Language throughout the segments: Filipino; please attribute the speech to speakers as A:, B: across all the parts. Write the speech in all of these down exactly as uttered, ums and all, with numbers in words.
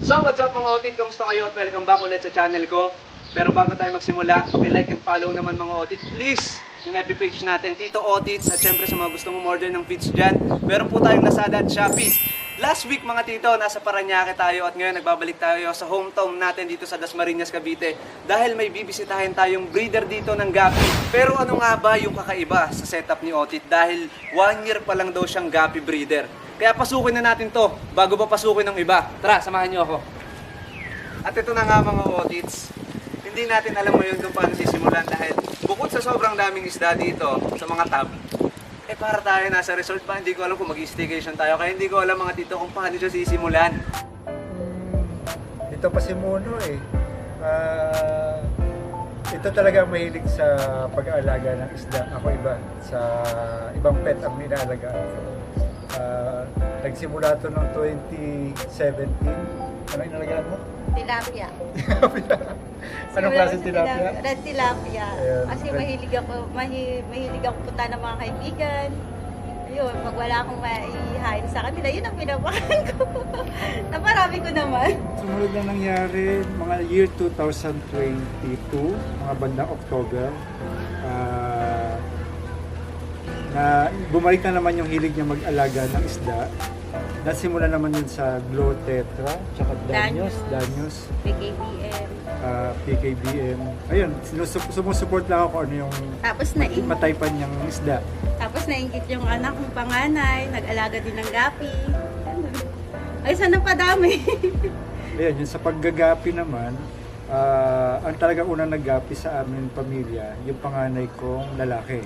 A: So what's up mga otit, kumusta kayo at welcome back ulit sa channel ko. Pero bago tayo magsimula, like and follow naman mga otit, please, yung F B page natin, Tito Otits. At syempre sa mga gustong umorder ng feeds dyan, meron po tayong Lazada at Shopee. Last week mga tito, nasa Parañaque tayo at ngayon nagbabalik tayo sa hometown natin dito sa Dasmariñas, Cavite. Dahil may bibisitahin tayong breeder dito ng Gapi. Pero ano nga ba yung kakaiba sa setup ni Otit? Dahil one year pa lang daw siyang Gapi breeder. Kaya pasukin na natin to bago pa pasukin ng iba. Tara, samahan niyo ako. At ito na nga mga Otits. Hindi natin alam ngayon kung paano sisimulan dahil bukod sa sobrang daming isda dito sa mga tab, eh para tayo nasa resort pa, hindi ko alam kung mag-staycation tayo. Kaya hindi ko alam mga tito kung paano siya sisimulan.
B: Hmm, ito pa si Mono eh. Uh, ito talaga mahilig sa pag-aalaga ng isda. Ako iba. Sa ibang pet ang inaalagaan ko. Uh, nagsimula ito noong twenty seventeen. Ano inalagaan mo?
C: Tilapia.
B: Anong klase tilapia?
C: Red tilapia.
B: Ayan.
C: Kasi mahilig ako, mahi, mahilig ako punta ng mga kaibigan. Ayun, pag wala akong maihain sa kanila, yun ang pinapakain ko. Naparami ko naman.
B: Sumunod na nangyari, mga year two thousand twenty-two, mga bandang October, uh, na bumalik na naman yung hilig niya mag-alaga ng isda. Nasimula naman yun sa Glow Tetra, tsaka Danyos, Danyos,
C: P K B M.
B: uh, P K B M. Ayun, sinus- sumusupport lang ako kung ano yung
C: Tapos na
B: mataypan niyang isda.
C: Tapos nainggit yung anak kong panganay, nag-alaga din ng gapi. Ganun. Ay, sana padami.
B: Ayun, yun sa paggagapi naman, uh, ang talagang unang naggapi sa amin pamilya, yung panganay kong lalaki.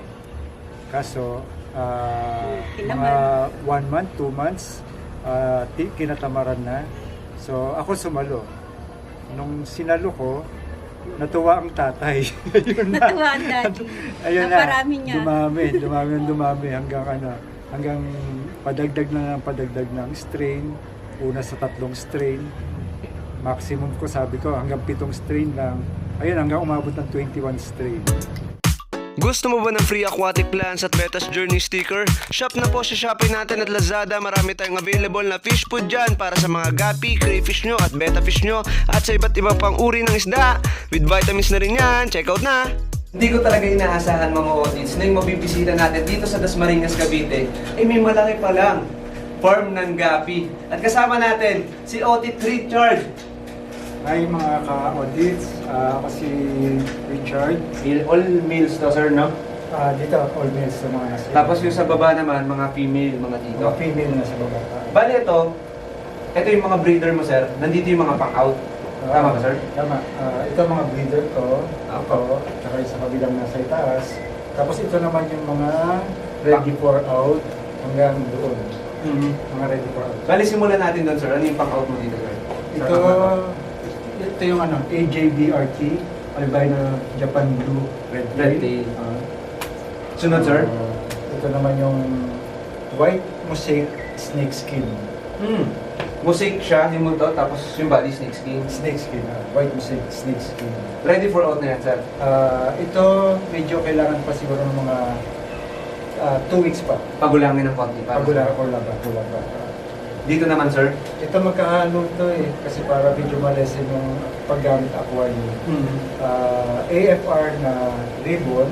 B: Kaso, uh, mga one month, two months, uh, kinatamaran na. So, ako sumalo. Nung sinalo ko, natuwa ang tatay. Ayun na.
C: Natuwa ang daddy.
B: Ayun na.
C: Naparami niya.
B: Dumami, dumami, dumami hanggang ano, hanggang padagdag na ng padagdag ng strain. Una sa tatlong strain. Maximum ko, sabi ko, hanggang pitong strain lang. Ayun, hanggang umabot ng twenty-one strain.
A: Gusto mo ba ng free aquatic plants at Betas Journey sticker? Shop na po sa Shopee natin at Lazada. Marami tayong available na fish food dyan para sa mga gapi, crayfish nyo at betta fish nyo at sa iba't ibang pang uri ng isda. With vitamins na rin yan. Check out na! Hindi ko talaga inaasahan mga Otits na yung mabibisita natin dito sa Dasmariñas, Cavite ay may malaki pa lang farm ng gapi. At kasama natin si Otit Richard.
B: Hi mga ka-audits, uh, ako si Richard.
A: All males to sir, no?
B: Uh, dito, all males sa mga nasa.
A: Tapos yung sa baba naman, mga female, mga tito.
B: mga female na sa baba.
A: Bali ito, ito yung mga breeder mo sir, nandito yung mga pang-out. Tama ba sir?
B: Tama. Uh, ito mga breeder ko, ako, tsaka yung sa kabilang nasa itaas. Tapos ito naman yung mga ready for out hanggang doon.
A: Mm-hmm.
B: Mga ready for out.
A: Bali simulan natin doon sir, ano yung pang-out mo dito sir?
B: Ito, ito yung ano, A J B R T, albino Japan Blue Red
A: Red
B: Tail.
A: tail.
B: Uh,
A: Sunod sir?
B: uh, ito naman yung white mosaic snake skin.
A: Hmm. Mosaic siya, yung multo, tapos yung body snake skin.
B: Snake skin, uh, white mosaic snake skin.
A: Ready for out na yan sir?
B: Uh, ito, medyo kailangan pa siguro ng mga uh, two weeks pa.
A: Pagulangin ng konti. para
B: Pagula
A: sa-
B: or laba, laba.
A: Dito naman sir?
B: Ito magkahalo to eh, kasi para medyo malesen yung paggamit aquarium.
A: Hmm.
B: Uh, A F R na ribbon,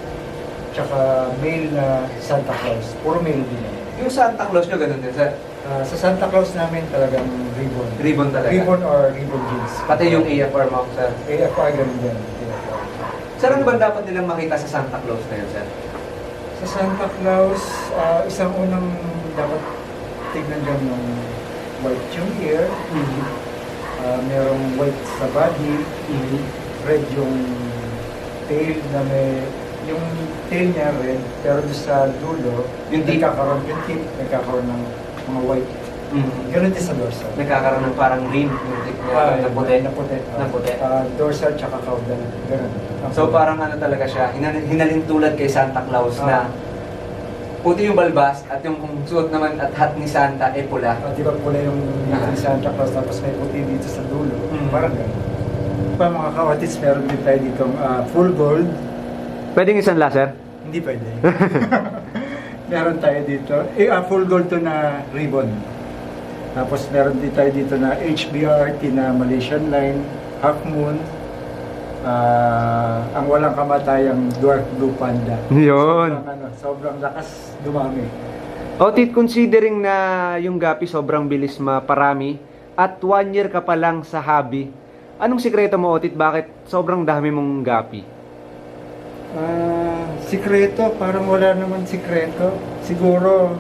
B: tsaka male na Santa Claus. Puro male din yan.
A: Yung Santa Claus nyo, ganun din sir?
B: Uh, sa Santa Claus namin talagang ribbon.
A: Ribbon talaga?
B: Ribbon or ribbon jeans.
A: Pati yung A F R mo sir?
B: A F R ganun yan. A F R.
A: Sir, ano ba dapat nilang makita sa Santa Claus na yun sir?
B: Sa Santa Claus, uh, isang unang dapat tignan dyan yung white yung ear,
A: Mm-hmm.
B: uh, merong white sa body,
A: Mm-hmm.
B: red yung tail na may, yung tail niya red, pero doon sa dulo,
A: Yung tip.
B: nagkakaroon, yung tip, nagkakaroon ng mga white.
A: Mm-hmm.
B: Ganun din sa dorsal.
A: Nagkakaroon ng parang rim yung tip niya,
B: Ah,
A: na puti.
B: Na puti. ah.
A: Na puti.
B: Ah, dorsal tsaka caudal. Ganun.
A: So parang ano talaga siya, hinal- hinalin tulad kay Santa Claus
B: Ah.
A: na puti yung balbas at yung kung suot naman at hat ni Santa ay pula.
B: Ah, di ba pula yung
A: Ah.
B: ni Santa Claus tapos may puti dito sa dulo.
A: Mm.
B: Parang ganun. Pa mga kawatis, meron din tayo dito full gold.
A: Pwedeng isang laser?
B: Hindi pwede. Meron tayo dito. Eh, ah, full gold to na ribbon. Tapos meron din tayo dito na H B R T na Malaysian line, Half Moon. Ah, ang walang kamatayang Dwarf Blue Panda.
A: Yun.
B: Sobrang, ano, sobrang lakas dumami.
A: Otit, considering na yung gapi sobrang bilis maparami at one year ka pa lang sa hobby, anong sikreto mo, Otit? Bakit sobrang dami mong gapi?
B: Ah, sikreto, parang wala naman sikreto. Siguro,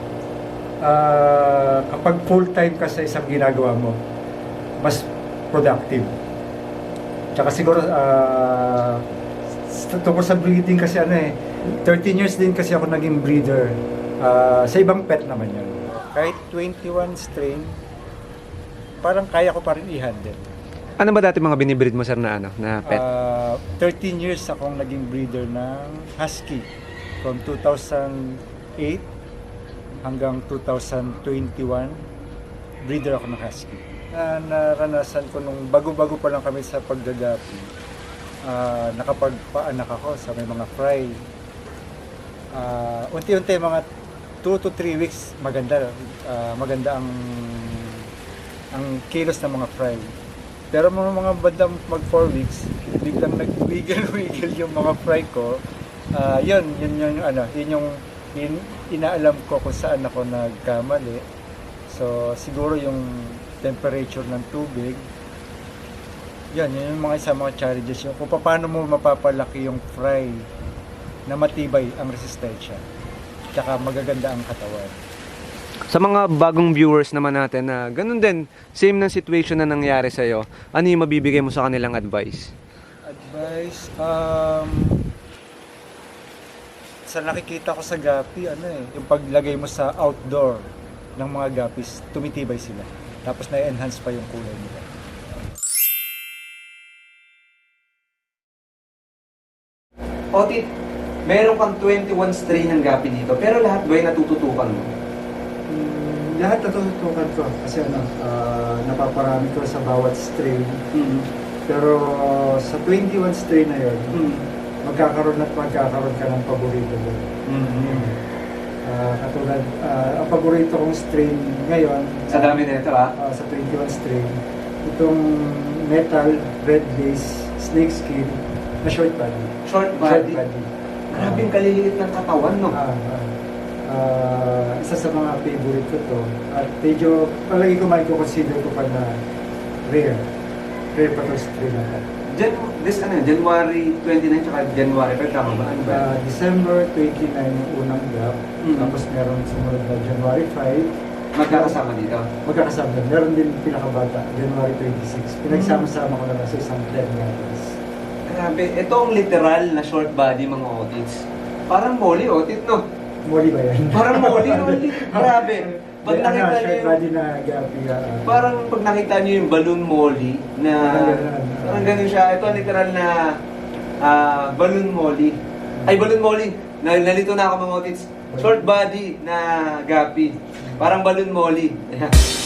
B: ah, kapag full time ka sa isang ginagawa mo, mas productive. Tsaka siguro, ah, s- tungkol sa breeding kasi ano eh, thirteen years din kasi ako naging breeder. Ah, sa ibang pet naman yun. Kahit twenty-one strain, parang kaya ko pa rin i-handle.
A: Ano ba dati mga binibreed mo, sir, na ano, na pet?
B: Ah, thirteen years akong naging breeder ng Husky. From two thousand eight hanggang two thousand twenty-one, breeder ako ng Husky. Na naranasan ko nung bago-bago pa lang kami sa paggagapi. Ah, nakapagpaanak ako sa may mga fry. Ah, unti-unti mga two to three weeks maganda ah, maganda ang ang kilos ng mga fry. Pero mga mga bandang mag four weeks, biglang nag-wiggle-wiggle yung mga fry ko. Ah, yun, yun yung ano, yun yung yun, inaalam ko kung saan ako nagkamali. So siguro yung temperature ng tubig. Yan, yun yung mga isa mga challenges yung kung paano mo mapapalaki yung fry na matibay ang resistensya. Tsaka magaganda ang katawan.
A: Sa mga bagong viewers naman natin na ganun din, same ng situation na nangyari sa'yo, ano yung mabibigay mo sa kanilang advice?
B: Advice, um, sa nakikita ko sa gapi, ano eh, yung paglagay mo sa outdoor ng mga gapis, tumitibay sila. Tapos na-enhance pa yung kulay nila.
A: Otit, meron kang twenty-one strain ng gapi dito, pero lahat ba ay natututukan mo?
B: Mm, lahat natututukan ko kasi ano, ah, napaparami ko sa bawat strain.
A: Mm.
B: Pero sa twenty-one strain na yun,
A: Mm.
B: magkakaroon at magkakaroon ka ng paborito doon.
A: Mm.
B: Ah, katulad, ah, ang paborito kong strain ngayon,
A: Sa dami na ito, ah.
B: ah, sa twenty-one strain, itong metal, red base, snake skin, na short body.
A: Short
B: Short
A: body.
B: body.
A: Grabe yung kaliliit ng katawan, no?
B: Ah, ah. Ah, isa sa mga favorite ko to. At medyo, palagi ko may consider ko pa na rare. Rare pa to strain na to.
A: Jan this ano, January twenty-nine tsaka January five, tama ba? Ano ba?
B: Ah, December twenty-nine yung unang gap.
A: Mhm.
B: Tapos meron sumunod na January five.
A: Magkakasama dito.
B: Magkakasama. Meron din pinakabata, January twenty-six. Pinagsama-sama ko na lang sa isang ten meters.
A: Grabe, ito ang literal na short body mga otits. Parang molly otit, no?
B: Moli ba yan?
A: Parang molly, molly. Grabe. Pag
B: Ano,
A: nakita niyo
B: short
A: yung,
B: body na gapi. ah,
A: parang pag nakita niyo yung balloon molly na
B: Parang ganun.
A: parang ganun siya. Ito ang literal na ah, balloon molly. Ay, balloon molly. Na, nalito na ako mga otits. Short body na gapi. Parang balloon molly.